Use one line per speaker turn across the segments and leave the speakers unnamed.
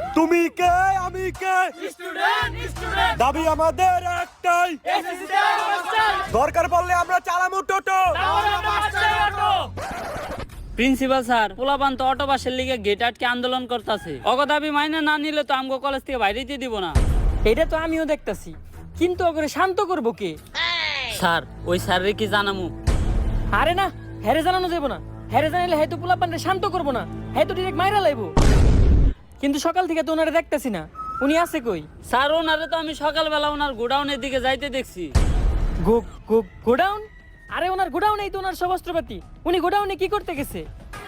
তুমি কে আমি কে দাবি আমাদের একটাই, দরকার পড়লে আমরা চালামু টোটো।
প্রিন্সিপাল স্যার, পোলাপান তো অটো বাসের লিগে গেট আটকে আন্দোলন করতেছে। অগ দাবি মাইনে না নিলে তো আমগো কলেজ থেকে বাইরে দিয়ে দিব না।
এটা তো আমিও দেখতাছি, কিন্তু ওকে শান্ত করবো কে?
স্যার, ওই স্যারের কি জানামু?
আরে না, হ্যারে জানানো যাবো না। হ্যারে জানাইলে হয়তো পোলাপানরে শান্ত করবো না, হয়তো ডিরেক্ট মাইরা লাইবো। কিন্তু সকাল থেকে তো ওনারে দেখতেছি না, উনি আছে কই?
স্যার, ওনারে তো আমি সকালবেলা ওনার গোডাউনের দিকে যাইতে দেখছি।
গোডাউন? আরে ওনার গোডাউনেই তো ওনার সব অস্ত্রপাতি। উনি গোডাউনে কি করতে গেছে?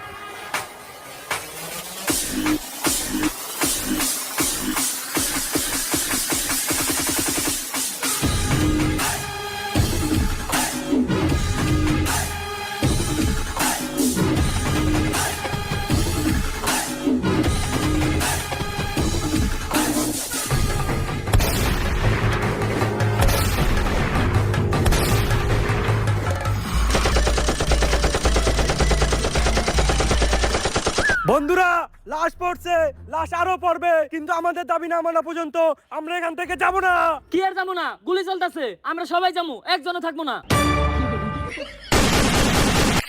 বন্ধুরা, লাশ পড়ছে, লাশ আরো পড়বে, কিন্তু আমাদের দাবি না মানা পর্যন্ত আমরা এখান থেকে যাব না।
কি আর যাবো না? গুলি চলতেছে, আমরা সবাই যাবো, একজনও থাকবো না।